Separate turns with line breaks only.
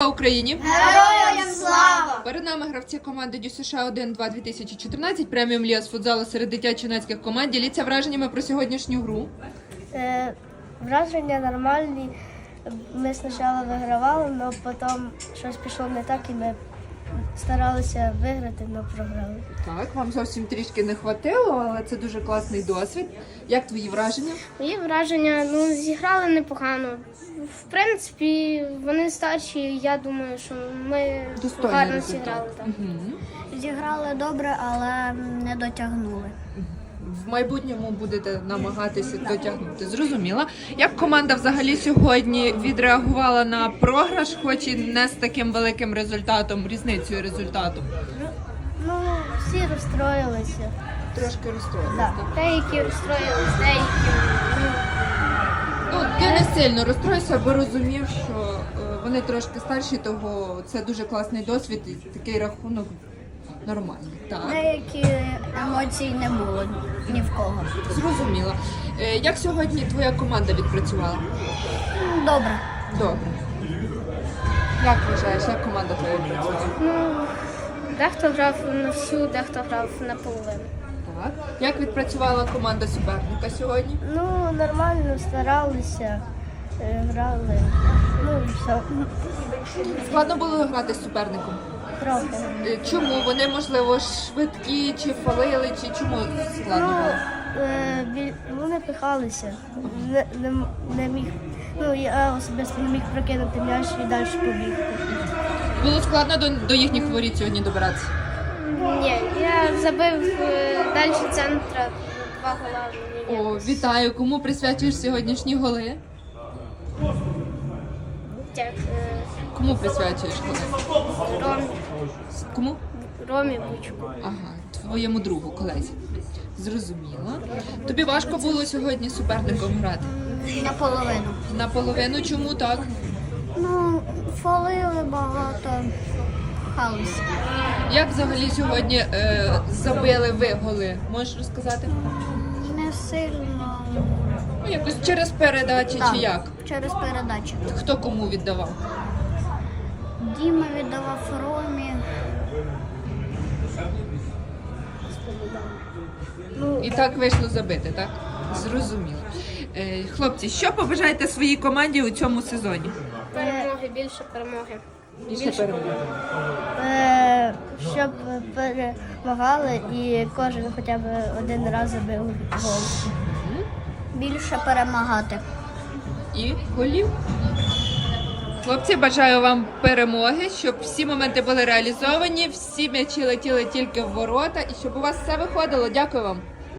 Україні!
Героям слава!
Перед нами гравці команди Дю США 1-2 2014, преміум ліга з футзалу серед дитячо-юнацьких команд. Діліться враженнями про сьогоднішню гру.
Враження нормальні. Ми спочатку вигравали, але потім щось пішло не так і ми старалися виграти, але програли.
Так, вам зовсім трішки не хватило, але це дуже класний досвід. Як твої враження?
Мої враження, зіграли непогано. В принципі, вони старші, я думаю, що ми
Достойний
гарно
результат.
зіграли. Так.
Зіграли добре, але не дотягнули.
В майбутньому будете намагатися дотягнути. Зрозуміла. Як команда взагалі сьогодні відреагувала на програш, хоч і не з таким великим результатом, різницею результату?
Всі розстроїлися.
Трошки розстроїлися.
Да.
так?
Деякі розстроїлись, деякі.
Ти не сильно розстроївся, бо розумів, що вони трошки старші, того це дуже класний досвід і такий рахунок нормальний. Так,
Деякі емоцій не було ні в кого.
зрозуміла. Як сьогодні твоя команда відпрацювала?
Добре.
Добре. Як вважаєш, як команда твоя відпрацювала?
Дехто грав на всю, дехто грав на половину.
Так. Як відпрацювала команда суперника сьогодні?
Нормально старалися, грали. І все.
Складно було грати з суперником?
Трохи.
Чому? Вони, можливо, швидкі, чи фалили, чи чому складно було?
Вони пихалися. Не міг. Я особисто не міг прокинути м'яч і далі побігти.
Було складно до їхніх воріт сьогодні добиратися?
Ні, я забив далі центра 2 гола.
О, вітаю! Кому присвячуєш сьогоднішні голи? Кому присвячуєш голи? Кому?
Ромі Бучку.
Ага, твоєму другу, колезі. Зрозуміло. Тобі важко було сьогодні з суперником грати?
Наполовину.
Наполовину чому так?
Фалили багато. Халися.
Як взагалі сьогодні забили ви голи? Можеш розказати?
Не сильно.
Якось через передачі чи як?
Через передачу.
Хто кому віддавав?
Діма віддавав Ромі.
І так вийшло забити, так? Зрозуміло. Хлопці, що побажаєте своїй команді у цьому сезоні?
Перемоги, більше перемоги.
Більше перемоги.
Щоб перемагали і кожен хоча б один раз забив гол. Більше перемагати.
І голів. Хлопці, бажаю вам перемоги, щоб всі моменти були реалізовані, всі м'ячі летіли тільки в ворота і щоб у вас все виходило. Дякую вам.